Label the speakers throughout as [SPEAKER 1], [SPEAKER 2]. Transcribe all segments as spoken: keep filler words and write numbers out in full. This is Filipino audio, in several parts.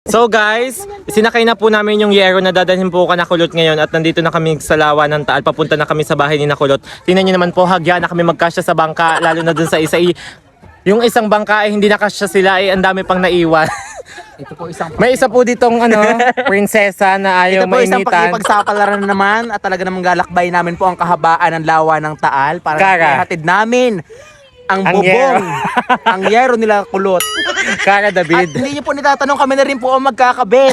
[SPEAKER 1] So guys, sinakay na po namin yung Yero na dadalhin po ka na Kulot ngayon at nandito na kami sa Lawa ng Taal. Papunta na kami sa bahay ni Nakulot. Tingnan niyo naman po, hagya na kami magkasya sa bangka, lalo na dun sa isa. Yung isang bangka ay hindi nakasya sila, ay ang dami pang naiwan.
[SPEAKER 2] Ito po isang
[SPEAKER 1] May isa po ditong ano, prinsesa na ayaw
[SPEAKER 2] Ito po isang
[SPEAKER 1] mainitan.
[SPEAKER 2] pakipagsapalaran naman at talaga namang galakbay namin po ang kahabaan ng Lawa ng Taal para
[SPEAKER 1] Kara.
[SPEAKER 2] hatid namin ang
[SPEAKER 1] Ang
[SPEAKER 2] bubong,
[SPEAKER 1] Yero.
[SPEAKER 2] ang Yero nila Kulot.
[SPEAKER 1] Kara
[SPEAKER 2] At
[SPEAKER 1] David.
[SPEAKER 2] hindi niyo po nitatanong, kami na rin po ang magkakabit.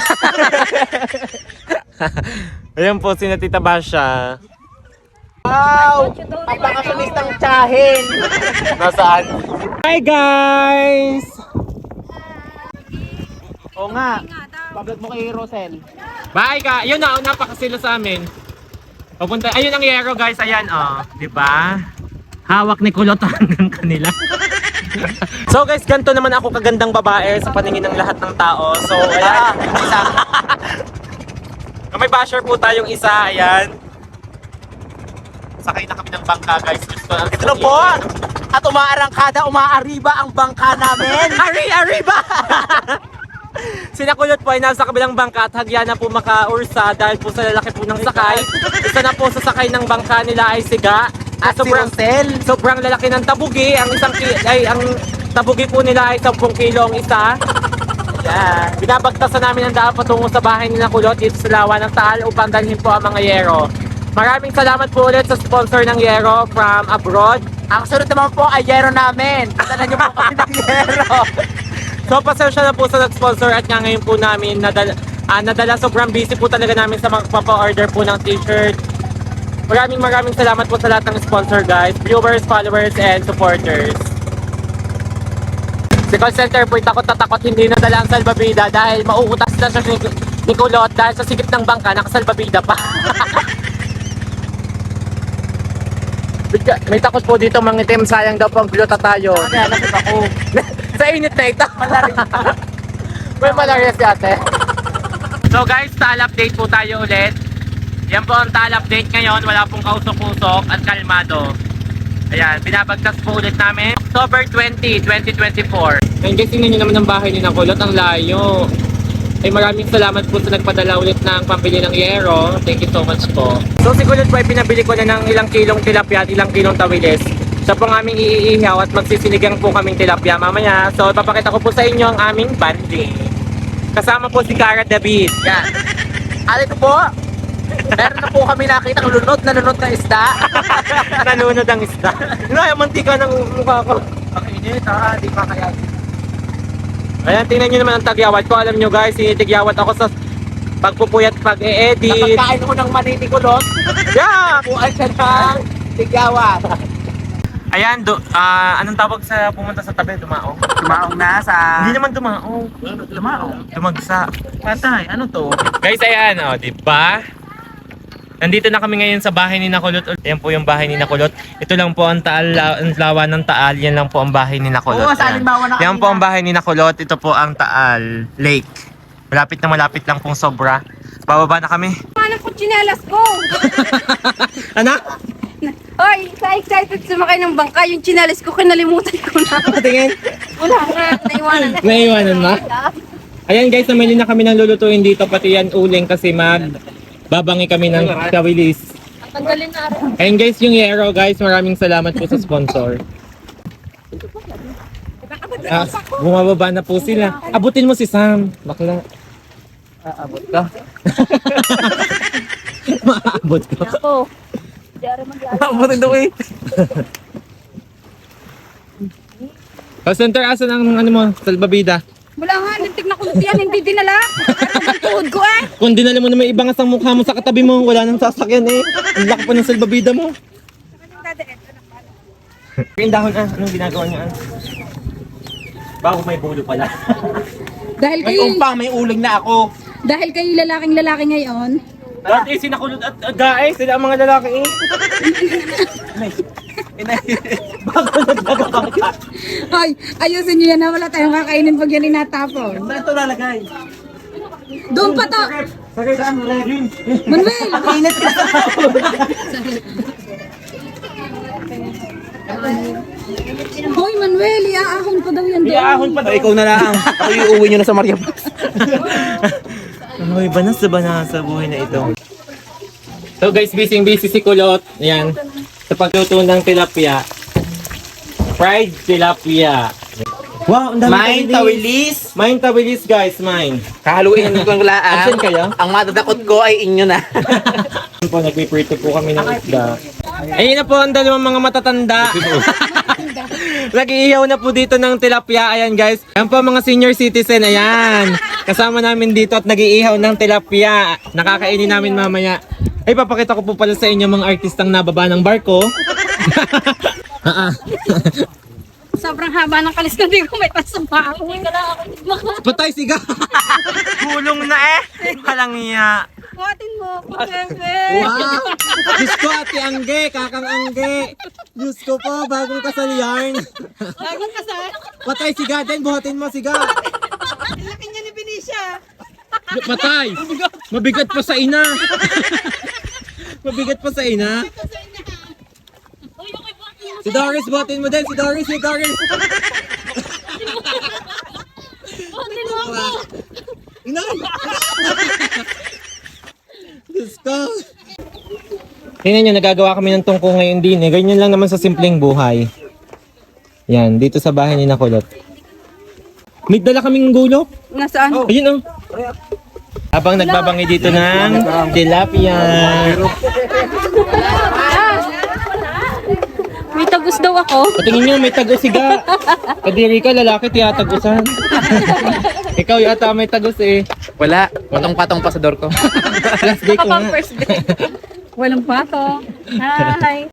[SPEAKER 1] Ayan po, si Tita Basha.
[SPEAKER 2] Wow! Ang bakasunistang tsahin.
[SPEAKER 1] Nasaan? Hi guys!
[SPEAKER 2] Oo nga. Pablag mo kay Rosel.
[SPEAKER 1] Bye ka! Yun na, napakasilo sa amin. Papunta, ayun ang Yero guys, ayan oh. Diba? Hawak ni Kulot hanggang kanila. So guys, ganito naman ako kagandang babae sa paningin ng lahat ng tao. So ayan.
[SPEAKER 2] Isa.
[SPEAKER 1] May basher po tayong isa, ayan. Sakay na kami ng bangka guys. Gusto ang
[SPEAKER 2] Ano po? At umaarangkada, umaariba ang bangka namin.
[SPEAKER 1] Ari, Arriba! Sinakulot po ay nasa kabilang bangka at hagya na po makaursa dahil po sa lalaki po ng sakay. Isa na po sa sakay ng bangka nila ay siga.
[SPEAKER 2] At si Rosel.
[SPEAKER 1] Sobrang lalaki ng tabugi. Ang isang ki- ay ang tabugi po nila ay sampung kilo ang isa. Yeah. Binabagtasan namin ang daan patungo sa bahay ni Nakulot dito sa Lawa ng Taal upang dalhin po ang mga Yero. Maraming salamat po ulit sa sponsor ng Yero from abroad.
[SPEAKER 2] Ang sunod naman po ay Yero namin. Dala niyo po kami ng Yero.
[SPEAKER 1] So pasensya na po sa nag-sponsor at nga ngayon po namin nadala, ah, nadala sobrang busy po talaga namin sa magpapa-order po ng t-shirt. Maraming maraming salamat po sa lahat ng sponsor guys, viewers, followers, and supporters. Si call center po takot na takot hindi nadala ang salbabida dahil mauutas na siya ni, ni Kulot dahil sa sikip ng bangka nakasalbabida pa. May takot po dito mangitim, sayang daw po ang glota tayo.
[SPEAKER 2] Kaya nakit ako.
[SPEAKER 1] Sa init na ito. May malaria si ate. So guys, tal update po tayo ulit. Yan po ang tal update ngayon. Wala pong kausok-usok at kalmado. Ayan, binabagtas po ulit namin. October twentieth, twenty twenty-four. Ngayon guys, tingnan nyo naman ang bahay ni Nakulot. Ang layo. Ay maraming salamat po sa nagpadala ulit ng pambili ng Yero. Thank you so much po. So si Kulot po ay pinabili ko na ng ilang kilong tilapia at ilang kilong tawilis. Siya po ang aming iihaw at magsisinigang po kaming tilapia mamaya. So ipapakita ko po sa inyo ang aming banding. Kasama po si Kara David.
[SPEAKER 2] Yan. Alay ko po. Meron na po kami nakita ng lunod na lunod na isda.
[SPEAKER 1] Nanunod ang isda. Ay, mantika ng mukha ko.
[SPEAKER 2] Pakinit ha, di pa kaya.
[SPEAKER 1] Ayan, tingnan nyo naman ang tagyawat ko. Alam nyo guys, sinitigyawat ako sa pagpupuyat, pag-e-edit.
[SPEAKER 2] Napagkain ko ng manini Kulot.
[SPEAKER 1] Yeah!
[SPEAKER 2] Buwan siya ng tigawat.
[SPEAKER 1] Ayan, do, ah, anong tawag sa pumunta sa tabi? Dumaong?
[SPEAKER 2] Tumaong na sa...
[SPEAKER 1] Hindi naman dumaong.
[SPEAKER 2] Tumaong.
[SPEAKER 1] Dumagsa.
[SPEAKER 2] Patay, ano to?
[SPEAKER 1] Guys, ayan, oh, di ba? Nandito na kami ngayon sa bahay ni Nakulot. Ayan po yung bahay ni Nakulot. Ito lang po ang Taal, la- ang Lawa ng Taal. Yan lang po ang bahay ni Nakulot.
[SPEAKER 2] Oo, sa
[SPEAKER 1] Ayan.
[SPEAKER 2] halimbawa na
[SPEAKER 1] Yan
[SPEAKER 2] kanina.
[SPEAKER 1] po ang bahay ni Nakulot. Ito po ang Taal Lake. Malapit na malapit lang pong sobra. Bababa na kami.
[SPEAKER 3] Manang ko tsinelas ko.
[SPEAKER 1] Anak?
[SPEAKER 3] Oy, sa excited sumakay ng bangka, yung tsinelas ko kinalimutan ko na.
[SPEAKER 1] Tingin.
[SPEAKER 3] Wala nga, naiwanan na.
[SPEAKER 1] Naiwanan na? Ayan guys, namili na kami ng lulutuin dito. Pati yan uling kasi mag babangi kami ng kawilis.
[SPEAKER 3] Tanggalin na rin.
[SPEAKER 1] Ayan guys, yung Yero guys. Maraming salamat po sa sponsor. Ah, bumababa na po sila. Abutin mo si Sam. Bakla.
[SPEAKER 2] Aabot ka.
[SPEAKER 1] Maabot ko.
[SPEAKER 3] Ako. Diyan mag-aayos.
[SPEAKER 2] Aabotin daw eh.
[SPEAKER 1] Call center, asan ang ano mo? Salbabida.
[SPEAKER 3] Wala nga, lintik na kunti yan, hindi dinala. Pero ang tuhod ko eh.
[SPEAKER 1] Kung dinala mo na may ibangas ang mukha mo sa katabi mo, wala nang sasakyan eh. Ang laki pa ng salbabida mo. Yung dahon ah, anong ginagawa niya ah? Bago may bulo pala.
[SPEAKER 3] Dahil
[SPEAKER 2] May
[SPEAKER 3] kay,
[SPEAKER 2] umpang, may uling na ako.
[SPEAKER 3] dahil kay lalaking lalaki ngayon,
[SPEAKER 1] Dati eh, sinakulot at agae, sila ang mga lalaki eh.
[SPEAKER 2] Inay.
[SPEAKER 1] Bago nagdagawang ka.
[SPEAKER 3] ay, ayusin niyo yan na wala tayong kakainin pag yan inatapon.
[SPEAKER 2] Saan ito lalagay?
[SPEAKER 3] Doon pa to!
[SPEAKER 1] Sakay saan mo rin?
[SPEAKER 3] Manuel!
[SPEAKER 2] Init ka.
[SPEAKER 3] Hoy Manuel, iaahon pa daw yan doon.
[SPEAKER 1] Iyaahon pa daw.
[SPEAKER 2] Ikaw na lang. Ako iuwi nyo na sa Maria Paz.
[SPEAKER 1] Ay, banas na banas sa buhay na ito. So guys, busy busy si Kulot. Ayan. Sa pagluto ng tilapia. Fried tilapia. Wow, ang dami
[SPEAKER 2] Main tawilis.
[SPEAKER 1] Main tawilis guys, main.
[SPEAKER 2] Kahaluin ko ng laan.
[SPEAKER 1] Absent kayo?
[SPEAKER 2] Ang madadakot ko ay inyo na.
[SPEAKER 1] Ayun po, nagpiprito po kami ng isda. Ayun na po ang dalawang mga matatanda. Nag-iihaw na po dito ng tilapia. Ayan guys. Ayan po mga senior citizen. Ayan. Kasama namin dito at nag-iihaw ng tilapia. Nakakainin namin mamaya. Ay, papakita ko po pala sa inyo mga artistang nababa ng barko. Ah, ah.
[SPEAKER 3] Sobrang haba ng kalis ko, di ko may pasama ako.
[SPEAKER 1] Patay siga. Gulong na eh. Walang iya.
[SPEAKER 3] Buhatin mo ako, bebe.
[SPEAKER 1] Wow! Diyos ko, Ate Angge, Kakang Angge. Diyos ko po, bagong kasal yarn.
[SPEAKER 3] Bagong kasal.
[SPEAKER 1] Patay siga din, buhatin mo siga.
[SPEAKER 3] Laki niya ni Benicia.
[SPEAKER 1] Patay! Mabigat pa sa ina. Mabigat pa sa ina. Si Doris, buhatin mo din. Si Doris, si Doris.
[SPEAKER 3] Buhatin mo ako.
[SPEAKER 1] Inay! Diyos ko. Tingnan nyo, nagagawa kami ng tungko ngayon din eh. Ganyan lang naman sa simpleng buhay. Yan, dito sa bahay ni Nakulot. May dala kaming gulok.
[SPEAKER 3] Nasaan?
[SPEAKER 1] Ayun oh. Habang nagbabangi dito ng tilapia.
[SPEAKER 3] May tagus daw ako.
[SPEAKER 1] Patingin nyo, may tagos siga. Kadiri ka, lalaki, tiyatagusan. Ikaw yata may tagos eh.
[SPEAKER 2] Wala. Patong-patong pa sa door ko.
[SPEAKER 1] Last day ko nga.
[SPEAKER 3] Kapang first day. Walang pato. Hi.